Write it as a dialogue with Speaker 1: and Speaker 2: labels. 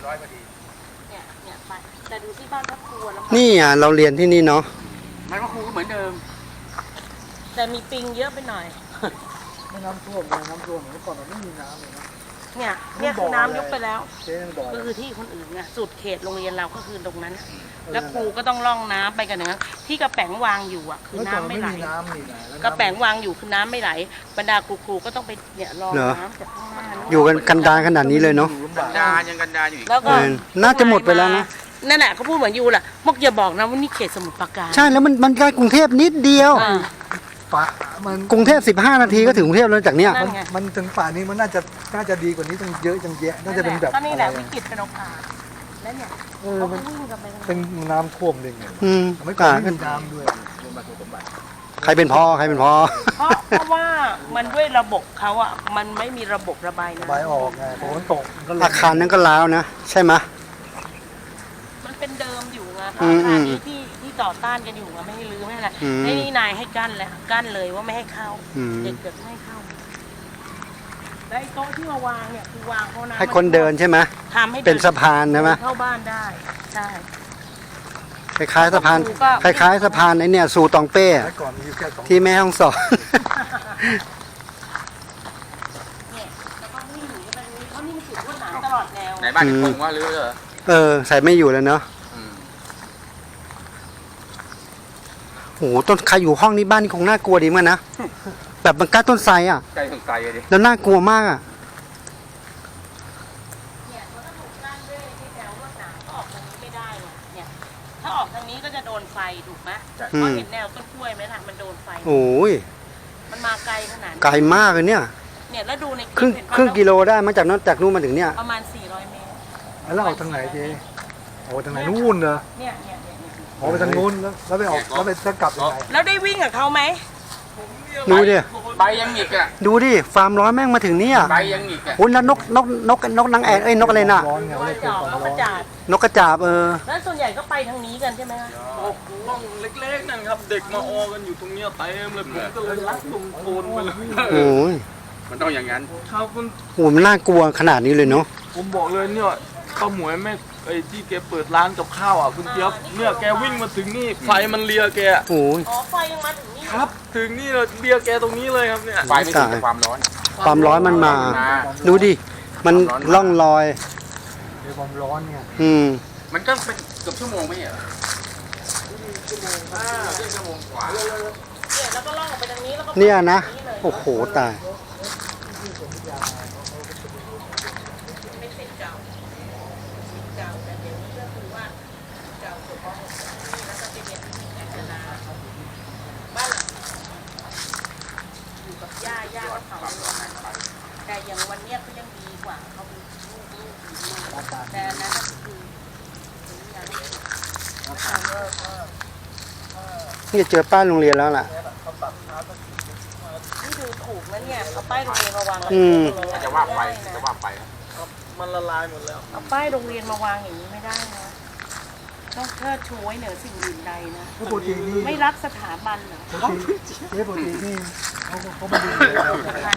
Speaker 1: 100พอดี
Speaker 2: เนี่ยไปแต่ดูที่บ้านพักครูแล้ว
Speaker 3: นี่อ่ะเราเรียนที่นี่เนาะ
Speaker 1: มันก็ครูก็เหมือนเดิม
Speaker 2: แต่มีปิงเยอะไปหน่อย
Speaker 4: ไม่น้ำท่วมเลยน้ำท่วมเมื่อก่อนมันไม่มีน้ำเลยนะ
Speaker 2: เนี่ยคือน้ำยกไปแล้ว
Speaker 4: เจ๊ยังบอก
Speaker 2: ก็คือที่คนอื่นไงสุดเขตโรงเรียนเราก็คือตรงนั้น แล้วครูก็ต้องล่องน้ำไปกันอย่างนั้นที่กระแป๋งวางอยู่อ่ะคือน้ำไม่ไหลกระแป๋งวางอยู่คือน้ำไม่ไหลบรรดาครูก็ต้องไปเนี่ยรอน้ำจากข้างหน้า
Speaker 3: อยู่กันดารขนาดนี้เลยเนาะ
Speaker 1: กันดายังกันดาอยู่อีก
Speaker 2: แล้วก็
Speaker 3: น่าจะหมดไปแล้วนะ
Speaker 2: นั่นแหละเขาพูดเหมือนยูแหละมกอย่าบอกนะว่านี่เขตสมุทรปราการ
Speaker 3: ใช่แล้วมันใกล้กรุงเทพนิดเดียว
Speaker 4: ป่ามัน
Speaker 3: กรุงเทพ15 นาทีก็ถึงกรุงเทพแล้วจากเนี้ย
Speaker 4: มันถึงป่านี้มันน่าจะดีกว่านี้ตั้งเยอะจังแยะน่าจะเป็นแบบ
Speaker 2: ก็นี่แหละวิกฤตเป็นโอกาสแล้วเนี่ย
Speaker 4: เขาวิ่งกันไปเป็นน้ำท่วมเลยไง
Speaker 3: อืม
Speaker 4: ไม่ก่อนไม่มีน้ำด้วย
Speaker 3: ใครเป็นพ่อ
Speaker 2: เพราะว่ามันด้วยระบบเขาอ่ะมันไม่มีระบบระบายน้ำ
Speaker 4: ระบายออกไงฝนตกก็เลย
Speaker 3: อาคารนั้นก็ร้าวนะ ใช่ไหม
Speaker 2: มันเป็นเดิมอยู่ไง
Speaker 3: อื
Speaker 2: อาม คาร
Speaker 3: อื
Speaker 2: นี้
Speaker 3: ม
Speaker 2: ที่ต่อต้านกันอยู่ไงไม่ให้รื้อไม่ให้อะไร
Speaker 3: อืม
Speaker 2: นี่นายให้กั้นแล้วกั้นเลยว่าไม่ให้เข้า
Speaker 3: อืม
Speaker 2: เด็กเกิดไม่ให้เข้าแล้วไอ้โต๊ะที่มาวางเนี่ยคือวางเพราะน้ำ
Speaker 3: ให้คนเดินใช่ไหม
Speaker 2: ทำให้
Speaker 3: เป็นสะพานใช่ไหม
Speaker 2: เข้าบ้านได้ใช่
Speaker 3: คล้ายๆสะพาน
Speaker 2: ก็
Speaker 3: คล้ายๆสะพานไอ้เนี่ยสู่ตองเป้
Speaker 4: แต่ก่อนมีแค่สอง
Speaker 3: ที่แม่ฮ่องสอน
Speaker 2: เนี่ยแล้วก็วิ่งหนีไปนี้เพราะนี่มันติดว่าหนามตลอดแนว
Speaker 1: ไหนบ้านจะคงว่ารื้อเหรอ
Speaker 3: ใส่ไม่อยู่แล้วเนาะ
Speaker 1: อืม
Speaker 3: โอ้โหต้นใครอยู่ห้องนี้บ้านนี่คงน่ากลัวดีเหมือนกันนะ แบบมันใกล้ต้นไทรอ่ะ
Speaker 1: ใกล้สงสัยเลยดิ
Speaker 3: แล้วน่ากลัวมากอ่ะ
Speaker 2: เนี่ยมันก็ถูกกั้นด้วยที่แถวรวดหนามก็ออกทางนี้ไม่ได้เนี่ยถ้าออกทางนี้ก็จะโดนไฟถูกไหม
Speaker 3: อื
Speaker 2: เพราะ
Speaker 3: ม
Speaker 2: เห็นแนวต้นกล้วยไหมล่ะมันโดนไฟ
Speaker 3: โอ้ย
Speaker 2: มันมาไกลขนาดนี้
Speaker 3: ไกลมากเลยเนี่ย
Speaker 2: เนี่ยแล้วดูใน
Speaker 3: ครึ่ง
Speaker 2: เห็นปะ
Speaker 3: ครึ่งกิโลได้มาจากนู้นมาถึงเนี่ย
Speaker 2: ประมาณ400 เมตร
Speaker 4: แล้วออกทางไหนเจ๊ออกทางไหนนู่นเหรอ
Speaker 2: เนี่ย
Speaker 4: ออกไปทางนู้นแล้วไปออกแล้วไปจะกลับยังไง
Speaker 2: แล้วได้วิ่งกับเขาไหม
Speaker 3: ดูดิ
Speaker 1: ใบยังหงิกอ่ะ
Speaker 3: ดูดิ ฟาร์มร้อยแม่งมาถึงเนี่ย
Speaker 1: ใบยังหงิกอ่ะ
Speaker 3: โอ้ยแล้วนกนางแอ่นนกอะไรน่ะ
Speaker 4: ร้อนไง
Speaker 2: น
Speaker 4: ไม่
Speaker 2: ก
Speaker 4: ได้
Speaker 2: จ
Speaker 4: เกิด
Speaker 2: อก
Speaker 4: ความ
Speaker 2: นกก
Speaker 4: ร้
Speaker 2: ระ
Speaker 4: อน
Speaker 2: จาด
Speaker 3: นกกระจาบ
Speaker 2: แล้วส่วนใหญ่ก็ไปทางนี้กันใช่ไหมคะ
Speaker 5: ห้องเล็กๆนั่นครับ เด็กมาออกันอยู่ตรงเนี้ยเต็มเลยผมก็เลยลักลงโคลนไปเลย
Speaker 3: โอ้ย
Speaker 1: มันต้องอย่างนั้น
Speaker 5: ครับมัน
Speaker 3: โหมันน่ากลัวขนาดนี้เลยเนาะ
Speaker 5: ผมบอกเลยเนี่ยข้าวหมวยแม่ไอ้ที่แกเปิดร้านกับข้าวอ่ะคุณเจี๊ยบเนี่ยแกวิ่งมาถึงนี่ไฟมันเลียแก
Speaker 3: โอ้ย
Speaker 2: อ๋อไฟยังมาถึงนี่
Speaker 5: ครับ ถึงนี่เลยเลียแกตรงนี้เลยครับเนี่ย
Speaker 1: ไฟไม่ถึงแต่ความร้อน
Speaker 3: ความร้อนมันมา ดูดิ มันล่องลอย
Speaker 4: มีความร้อนไง
Speaker 3: อืม
Speaker 1: มันก็เป็นเกือบชั่วโมงไม่เหรอชั่วโมงกว่า
Speaker 2: เนี่ยแล้วก็ล่องออกไปทางนี้แล้วก็
Speaker 3: เนี่ยนะ
Speaker 2: ไปทางเลย
Speaker 3: โอ้โห ตาย
Speaker 2: เป็นสิทธิ์เก่าสิทธิ์เก่าแต่เดี๋ยวนี้ก็คือว่าเก่าสุดม .6 นี่แล้วก็ไปเรียนที่กาญจนาบ้านหลังอยู่กับย่าก็เผาเลยแต่อย่างวันเนี้ยก็ยังดีกว่าเขาเป็นลูกอยู่แต่อันนั้นก็คือถึงอย่างนี้
Speaker 3: นี่จะเจอป้ายโรงเรียนแล้วล่ะ
Speaker 2: นี่ดูถูกนะเนี่ยเอาป้ายโรงเรียนมาวาง
Speaker 3: อืม
Speaker 1: จะว่าไปจะว่าไปนะ
Speaker 5: มันละลายหมดแล้ว
Speaker 2: เอาป้ายโรงเรียนมาวางอย่างนี้ไม่ได้นะต้องเชิดชูไว้เหนือสิ่งอื่นใดนะ
Speaker 4: ปกตินี่
Speaker 2: ไม่รักสถาบันเหรอ
Speaker 4: ปกตินี่เขามาดู